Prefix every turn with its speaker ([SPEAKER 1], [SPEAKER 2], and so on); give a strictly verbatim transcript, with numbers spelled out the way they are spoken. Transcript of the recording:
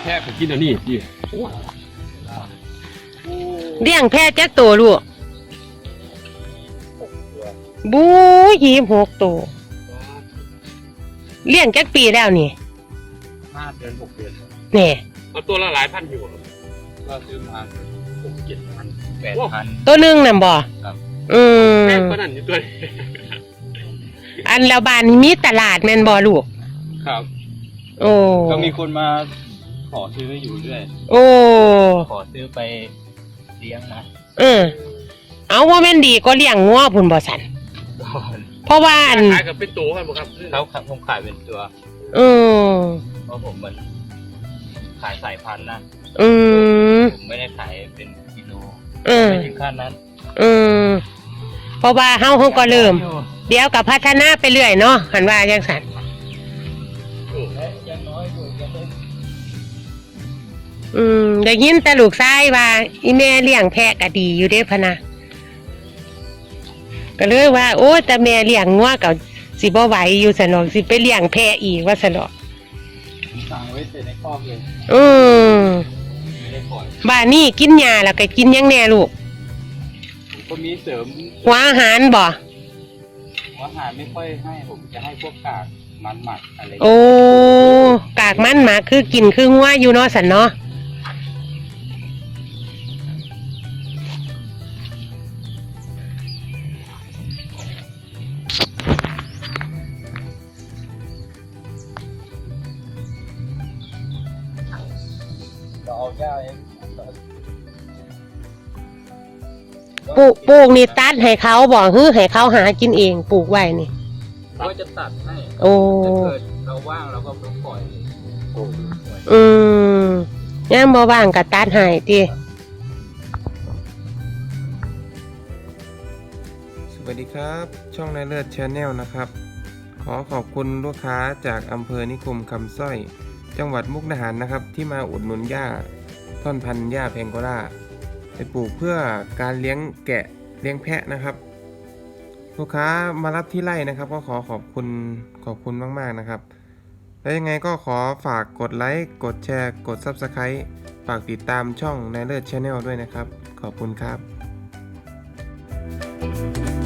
[SPEAKER 1] แพะไปกินอันนี้ดิ
[SPEAKER 2] เลี้ยงแพะจักตัวลูกบู๊ยี่สิบหกตัวเลี้ยงจักปีแล้วนี่
[SPEAKER 1] ห้าเดือนหกเดือน
[SPEAKER 2] นี่
[SPEAKER 1] เอาตัวละหลายพันอยู่ก็ซื้อมาหกเจ็ดพันแปดพัน
[SPEAKER 2] ตัวนึงน่ะบ่อืม
[SPEAKER 1] แพงกว่านั้นอยู่ตัว
[SPEAKER 2] อันแล้วบ้านนี้มีตลาดแม่นบ่ลูก
[SPEAKER 1] ครับ
[SPEAKER 2] โอ้
[SPEAKER 1] ก็มีคนมาขอซื้ออยู่เรื่อย
[SPEAKER 2] โอ้
[SPEAKER 1] ขอซื้อไปเลี้ยงนะ
[SPEAKER 2] เออเอาว่าแม่นดีก็เลี้ยงงัวพุ่นบ่สั่นเพราะว่าอัน
[SPEAKER 1] ขายกับเป็นตัวกันบ่ครับเขาผมขายเป็นตัว
[SPEAKER 2] เออ
[SPEAKER 1] เพราะผมมันขายสายพันธุ์นะ
[SPEAKER 2] อืม
[SPEAKER 1] ผมไม่ได้ขายเป็นกิโล
[SPEAKER 2] ไม่
[SPEAKER 1] ถึงขั้นนั้น
[SPEAKER 2] อืมเพราะว่าเฮาเฮาก็เริ่มเดี๋ยวก็พัฒนาไปเรื่อยเนาะหันว่าจังซั่นอืมได้ยินแต่ลูกชายว่าอีแม่เลี้ยงแพะก็ดีอยู่เด้พะนะก็เลยว่าโอ้แต่แม่เลี้ยงงัวก็สิบ่ไหวอยู่ซะเนาะสิไปเลี้ยงแพะอีกว่าซะเนาะ
[SPEAKER 1] สั่งไว้แต่ในคอกเลย
[SPEAKER 2] อืมไม่ได้ปล่อยบ้านนี้กินหญ้าแล้วก็กินหยังแน่ลูก
[SPEAKER 1] ผมก็มีเสริม
[SPEAKER 2] หัวอาหารบ่
[SPEAKER 1] หัวอาหารไม่ค่อยให้ผมจะให้พวกกากมันหมักอะไร
[SPEAKER 2] โอ้กากมันหมักคือกินคืองัวอยู่เนาะสันเนาะ
[SPEAKER 1] เอาหญ้าเอง
[SPEAKER 2] ปลูกปลูกนี่ตัดให้เขาบอกฮื้อให้เขาหากินเองปลูกไว้นี่
[SPEAKER 1] ก็จะตัดให้
[SPEAKER 2] โอ้
[SPEAKER 1] ถ้าเกิดเราว่างเราก็ปล่อย
[SPEAKER 2] อืมย่ามบ่ว่างก็ตัดให้ติ
[SPEAKER 3] สวัสดีครับช่องนายเลิศ Channel นะครับขอขอบคุณลูกค้าจากอำเภอนิคมคำสร้อยจังหวัดมุกดาหารนะครับที่มาอุดหนุนหญ้าท่อนพันธุ์หญ้าแพงโกล่าไปปลูกเพื่อการเลี้ยงแกะเลี้ยงแพะนะครับลูกค้ามารับที่ไร่นะครับก็ขอขอบคุณขอบคุณมากๆนะครับแล้วยังไงก็ขอฝากกดไลค์กดแชร์กด ซับสไครบ์ ฝากติดตามช่องนายเลิศ Channel ด้วยนะครับขอบคุณครับ